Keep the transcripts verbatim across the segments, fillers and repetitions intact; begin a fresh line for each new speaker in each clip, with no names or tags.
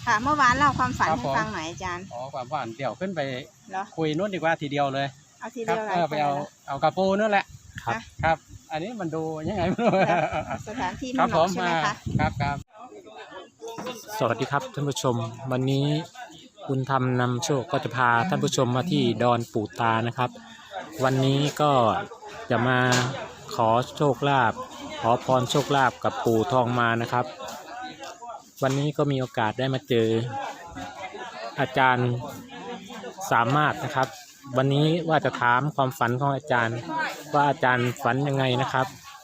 ค่ะเมื่อวานเล่าความฝันให้ฟังหน่อยอาจารย์
อ๋อความฝันเดี๋ยวขึ้นไป
คุ
ยนู้นดีกว่าทีเดียวเลย
เอาทีเดียวเลย
ไปเอาเอากระปูนั่นแหละ
ครับ
ครับอันนี้มันดูยังไง
สถานที่มันเหมาะใช่ไหมคะ
ครับครับ
สวัสดีครับท่านผู้ชมวันนี้คุณธรรมนำโชคก็จะพาท่านผู้ชมมาที่ดอนปู่ตานะครับวันนี้ก็จะมาขอโชคลาภขอพรโชคลาภกับปู่ทองมานะครับวันนี้ก็มีโอกาสได้มาเจออาจารย์สามารถนะครับวันนี้ว่าจะถามความฝันของอาจารย์ว่าอาจารย์ฝันยังไงนะครับ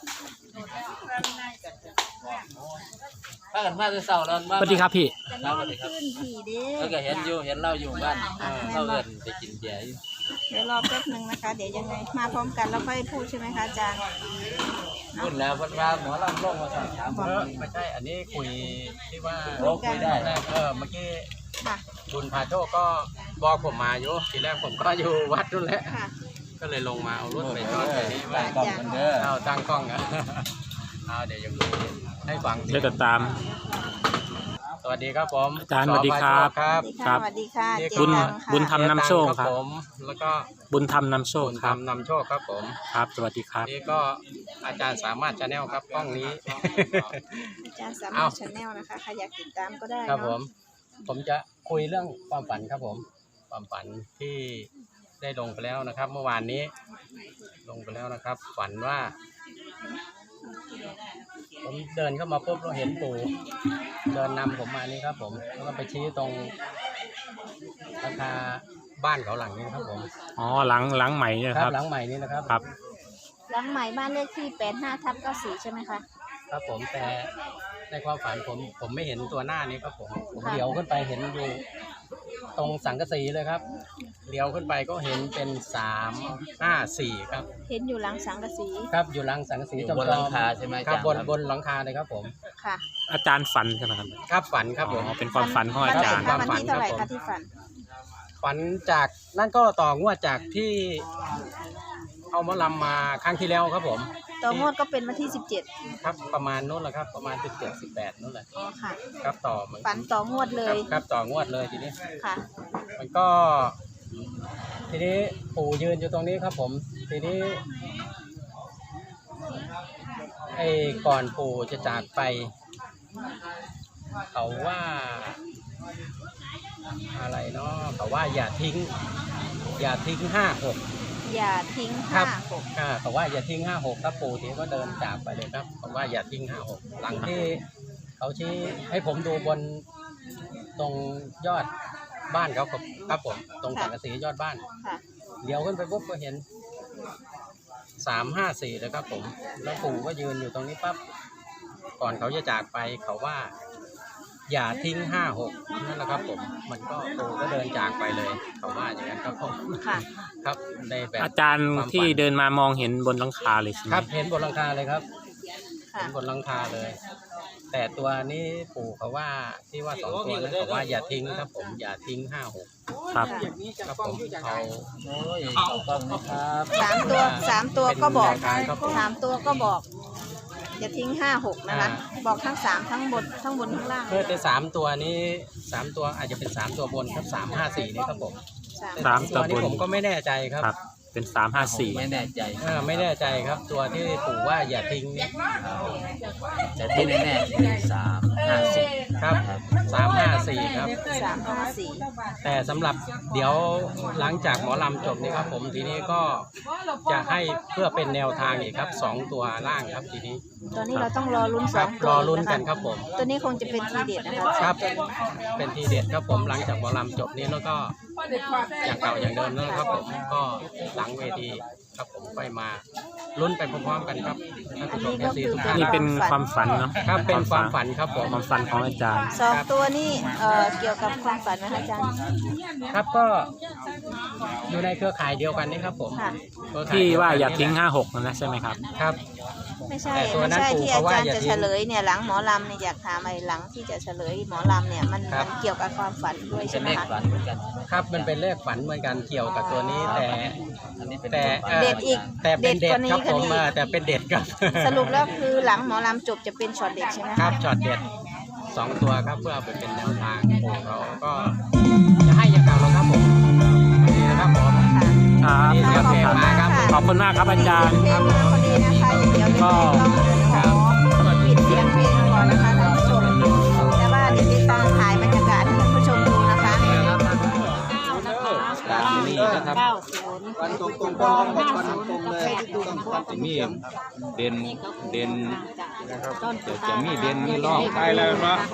ถ้ากันมาจะเศร้าแล้ว
สวัสดีครับพี่
สวัสดีครับแล้วก็เห็นอยู่เห็นเราอยู่บ้านเราเอินไปกินเบียร์
เดี๋ยวรอแป๊บนึงนะคะเดี๋ยวยังไงมาพร้อมกันแล้วค่อยพูดใช่ไหมคะอาจารย์
พูดแล้วพันว่าหมอลำลงมาสอบถาม
ไม่ใช่อันนี้คุยที่ว่า
โอ้คุยได้
เออเมื่อกี้บุญพาโชคก็บอกผมมาอยู่ทีแรกผมก็อยู่วัดนู่นแหละก็เลยลงมาเอารถไปจอดไปนี่ว่า
กล้องมันเด้อ
เอาตั้งกล้องอ่ะเอาเดี๋ยวยังให้ฟัง
เดี๋ยวจะตาม
สวัสดีครับผม
อาจารย์สวัสดีครับ
ครับสวัสดีค่ะ
บุญบุญธรรมนำโชคครับ
ผมแล้วก็
บุญธรรมนำโชคครับ
นำโชคครับผม
ครับสวัสดีครับ
นี่ก็อาจารย์สามารถชาแนลครับกล้องนี้
อาจารย์สามารถชาแนลนะคะใครอยากติดตามก็ได้
ครับผมผมจะคุยเรื่องความฝันครับผมความฝันที่ได้ลงไปแล้วนะครับเมื่อวานนี้ลงไปแล้วนะครับฝันว่าผมเดินเข้ามาปุ๊บเราเห็นปู่เดินนำผมมานี่ครับผมแล้วก็ไปชี้ตรงราคาบ้านเขาหลังนี้ครับผม
อ๋อหลังหลังใหม่เนี่ยครับ
หลังใหม่นี้นะครับ
ครับ
หลังใหม่บ้านเลขที่แปดห้าทับเก้าสี่ใช่ไหมคะ
ครับผมแต่ในความฝันผมผมไม่เห็นตัวหน้านี้ครับผมผมเลี้ยวขึ้นไปเห็นอยู่ตรงสังกะสีเลยครับเลี้ยวขึ้นไปก็เห็นเป็นสามห้าสี่ครับ
เห็นอยู่หลังสังกะสี
ครับอยู่หลังสังกะสี
บนหลังคาใช่ไหม
ครับบนบนหลังคาเลยครับผม
ค่ะ
อาจารย์ฝันใช่ไหมครับ
ครับฝันครับผม
เป็นความฝันของอาจารย์
ความฝันเท่าไหร่คะที่ฝัน
ฝันจากนั่นก็ต่องวดจากที่เอามาลำมาครั้งที่แล้วครับผม
ต่องวดก็เป็นวันที่สิบเจ็ด
ครับประมาณนู้นแหละครับประมาณสิบเจ็ดสิบแปดนู้นแหละ
อ๋อค่ะ
ครับต่อมัน
ฝันต่องวดเลย
ครับต่องวดเลยทีนี้
ค่ะ
มันก็ทีนี้ปู่ยืนอยู่ตรงนี้ครับผมทีนี้ไอ้ก่อนปู่จะจากไปเขาว่าอะไรเนาะเขาว่าอย่าทิ้งอย่าทิ้งห้าหก
อย่าทิ้งห้าหก
อ่าเขาว่าอย่าทิ้งห้าหกครับปู่ทีก็เดินจากไปเลยครับเขาว่าอย่าทิ้งห้าหกหลังที่เขาชี้ให้ผมดูบนตรงยอดบ้านเขาครับผมตรงสังกะสียอดบ้านเดี๋ยวขึ้นไปปุ๊บก็เห็นสามห้าสี่เลยครับผมแล้วปู่ก็ยืนอยู่ตรงนี้ปั๊บก่อนเขาจะจากไปเขาว่าอย่าทิ้งห้าหกนั่นแหละครับผมมันก็ปู่ก็เดินจากไปเลยเขาว่าอย่างนั้นครับผมครับในแบบ
อาจารย์ที่เดินมามองเห็นบนหลังคาเลยใช่ไหม
ครับเห็นบนหลังคาเลยครับเห็นบนหลังคาเลยแต่ตัวนี้ปู่เขาว่าที่ว่าสองตัวนั้นเขาว่าอย่าทิ้งครับผมอย่าทิ้งห้าหก
ครับ
ครับผมเอา
โอ้ยต้องนะครับ
สามตัวสามตัวก็บอกสามตัวก็บอกอย่าทิ้งห้าหกนะคะบอกทั้งสามทั้งบนทั้งบนทั้งล่าง
เพื่อจะสามตัวนี้สามตัวอาจจะเป็นสามตัวบนครับสามห้าสี่นี่ครับผม
สามตัว
นี้ผมก็ไม่แน่ใจครับ
เป็นสามห้าสี่
ไม่แน่ใจ
อ่าไม่แน่ใจครับตัวที่ปู่ว่าอย่าทิ้ง
แต่ที่แน่ๆสามห้าสี่
ครับสามห้าสี่ครับ
สามห้าสี่
แต่สำหรับเดี๋ยวหลังจากหมอลำจบนี่ครับผมทีนี้ก็จะให้เพื่อเป็นแนวทางอีกครับสองตัวล่างครับทีนี้
ตัวนี้เราต้องรอลุ้นสอง
รอลุ้นกันครับผม
ตัวนี้คงจะเป็นทีเด็ดนะคะ
ครับเป็นทีเด็ดครับผมหลังจากหมอลำจบนี้แล้วก็อย่างเก่าอย่างเดิมแล้วครับผมก็หลังเวทีครับผมไปมาลุ้นไปพร้อมๆกันครับท่านผู้ชมทุกท่าน
นี่เป็นความฝันเนาะ
ครับเป็นความฝันครับผม
ความฝันของอาจารย์
สองตัวนี้เอ่อเกี่ยวกับความฝันนะคะอาจารย์
ครับก็อยู่ในเครือข่ายเดียวกันนี่ครับผม
ที่ว่าอย่าทิ้งห้าหกนั่นนะใช่ไหมครับ
ครับ
ไม่ใช่ไม่ใช่ที่อาจารย์จะเฉลยเนี่ยหลังหมอลำเนี่ยอยากถามไอ้หลังที่จะเฉลยหมอลำเนี่ยมันมันเกี่ยวกับความฝันด้วยใช่ไหมคะ
ครับมันเป็นเลขฝันเหมือนกันเกี่ยวกับตัวนี้แต่แต่
เด็ดอีก
แต่เป็นเด็ดครับผมแต่เป็นเด็ดครับ
สรุปแล้วคือหลังหมอลำจบจะเป็นช็อตเด็ดใช่ไหม
ครับช็อตเด็ดสองตัวครับเพื่อไปเป็นแนวทางปู่เราก็จะให้อย่างเก่าแล้วครับผมนี่นะครับผม
ครับ
นี่เสียงเพลงมาครับ
ขอบคุณมากครับอาจารย์
เพลงมาพอดีนะคะเดี๋ยว
ก็
ขอปิดเสียงเพลงก่อนนะคะท่านผู้ชมแต่ว่าเดี๋ยวจะต้องถ่ายบรรยากาศให้ท่านผู้ชมดูนะคะ
นี่นะครับวันตรงตรงก็ร้องวันตรงเลยจะมีเด่นเด่นเดี๋ยวจะมีเด่นมีร่อง
ไปแล้วเนาะ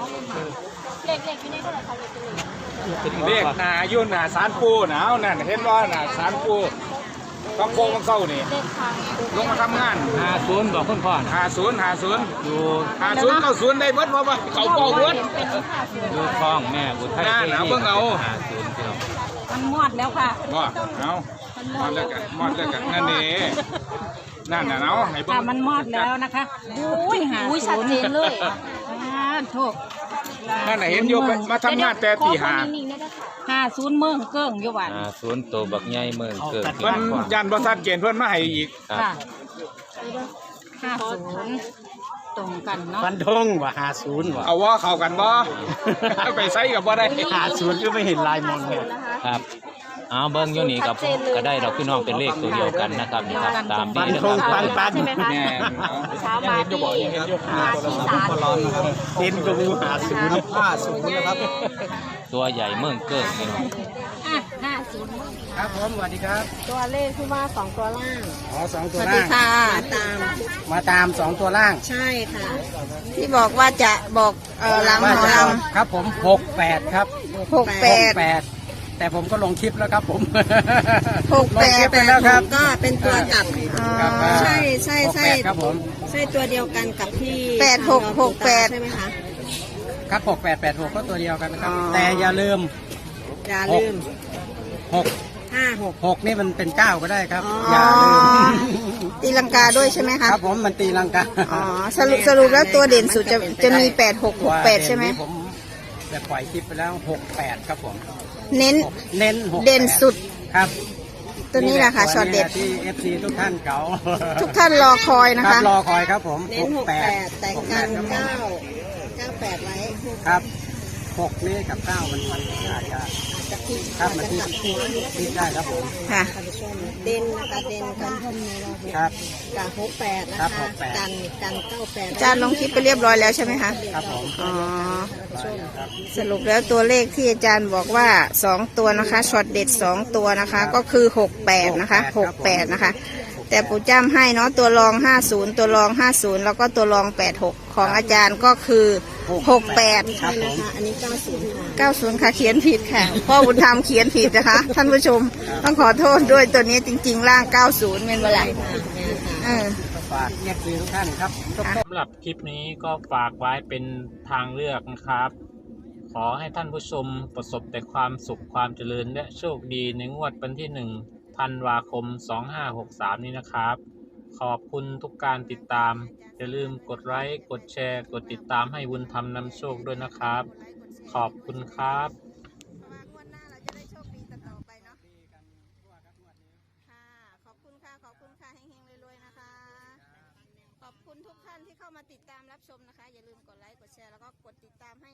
เลขหนายุ่นหนาสารปูหนาวนั่นเห็นว่าหนาสารปูต้องโค้งต้องเข้านี่ลงมาทำงาน
ห้าศูนย์บอกคุณพ่อนะ
หาศูนย์หาศูนย์
อยู่
หาศูนย์เก้าศูนย์ได้เบิดเพราะว่าเขาเป้าเบิด
อยู่คลองแม่อุทัย
น่าหนาวเบิ่งเอา
ห้าศูนย์พี่น้อง
มันมอดแล้วค่ะ
บ่เอามอดแล้วกันมอดแล้วกันนั่นนี่นั่นน่ะเนาะให้เบิ่
ค่ะ
ง
มันมอดแล้วนะคะอุ้ยหา
อุ้ยชัดเจนเลย
อ่าโทษ
นั่นน่ะเห็นอยู่ไปมาทำงานแต่ตีห้า
ห้าศูนย์เมืองเกิ้งอยู่หวัน
ห้าศูนย์ตัวบักใหญ่เมืองเกิด
เพิ่นยันบ่ชัดเจนเพิ่นมาให้อีก
ครับ
ค่ะห้าศูนย์ตรงกันเนาะ
ฟันธงว่าหาศูนย์ว่ะ
เอาว่าเข้ากันบ่เอาไปใส่กับบ่ได้
หาศูนย์ก็ไม่เห็นลายมองเนี่ย
ครับเอาเบิ้งอยู่นี่กับก็ได้ดอกพี่น้องเป็นเลขตัวเดียวกันนะครับนี่ครับตาม
ฟัน
นี้นะ
ธ
ค
ง
รับ
ปันปัน
ใช่ไหมคะ
แน่
เช้ามาที่มาที่ศาลเลย
เต็นก็มูหาศูนย์ห้าศูนย์นะครับ
ตัวใหญ่เมืองเกิดพี่น้อง
อ่ะห้าศูนย์
ครับผมสวัสดีครับ
ตัวเลขที่ว่าสองตัวล่าง
อ๋อสอง
ส
ตัว
วัส
ล่า
ดี
ง
ค่ะตาม
มาตามสองตัวล่าง
ใช่ค่ะ ที่บอกว่าจะบอกเออหลังหมอล
ครับผมหกแปดครับ
ำหกแปด
แปดแต่ผมก็ลงคลิปแล้วครับผม
หกแป
ลงคลิ
ด
ปไปแล้วครับ
ก็เป็นตัวกลับ
อ๋อ
ครับ
ใช่ใช่ใช่
หกแปดครับผม
ใช่ตัวเดียวกันกับที่
แปดหกหกแปด
ใช่ไหมคะ
ครับหกแปดแปดหกก็ตัวเดียวกันนะครับ
อ๋อ
แต่อย่าลืม
อย่าลืม
หก
ห้าหก
หกนี่มันเป็นเก้าก็ได้ครับ
อ๋อ
อ
อ
ย่าลืม
ตีลังกาด้วยใช่ไหมคะ
ครับผมมันตีลังกา
อ๋อสรุปสรุปแล้วตัวเด่นสุดจะจะมีแปดหกหกแปดใช่ไหม
ตัวเด่นนี้ผมจะปล่อยคลิปไปแล้วหกแปดครับผม
เน้น
เน้นหก
เด่นสุด
ครับ
ตัวนี้แหละค่ะช็อตเด็ด
ที่เอฟซีทุกท่านเก๋า
ทุกท่านรอคอยนะ
ครั
คะ
บรอคอยครับผม
เน้นหกแปดแต่งกันเก้าเก้าแปดไว้
ครับหกนี่กับเก้ามันมันอาจจะ
จะคิด
ครับมันที่คิดได้ครับผม
ค่ะ
ท่านผู้ชมเด่นนะคะเด่นกันพมในเรา
ครับ
กับหกแปดนะ
ครั
คะ
บหกแปด
กันกันเก้าแปด
อาจารย์ลงคลิปไปเรียบร้อยแล้วใช่ไหมคะ
ครับผม
อ๋อ สรุปแล้วตัวเลขที่อาจารย์บอกว่าสองตัวนะคะช็อตเด็ดสองตัวนะคะ ก็คือหกแปดนะคะหกแปดนะคะ แต่ปู่จ้ำให้เนาะตัวรองห้าศูนย์ตัวรองห้าศูนย์แล้วก็ตัวรองแปดหกของอาจารย์ก็คือหกแปด
ครับผม
นะคะอันนี้เก้าศูนย์ค่ะ
เก้าศูนย์ค่ะเขียนผิดค่ะพ่อบุญธรรมเขียนผิดนะคะ ท่านผู้ชมต้องขอโทษด้วยตัวนี้จริงๆ ล่างเก้าศูนย์เป็นเมื่อไหร่เออ
ฝากเอฟซีทุกท่านครับ
สำหรับคลิปนี้ก็ฝากไว้เป็นทางเลือกนะครับ ขอให้ท่านผู้ชมประสบแต่ความสุขความเจริญและโชคดีในงวดวันที่หนึ่งธันวาคมสองห้าหกสามนี้นะครับ ขอบคุณทุกการติดตาม อย่าลืมกดไลค์กดแชร์ กดติดตามให้บุญธรรมนำโชคด้วยนะครับ ขอบคุณครับ
งวดหน้าเราจะได้โชคดีต่อไปเนาะค่ะ ขอบคุณค่ะ ขอบคุณค่ะเฮงๆรวยๆนะคะ ขอบคุณทุกท่านที่เข้ามาติดตามรับชมนะคะ อย่าลืมกดไลค์ กดแชร์ แล้วก็กดติดตามให้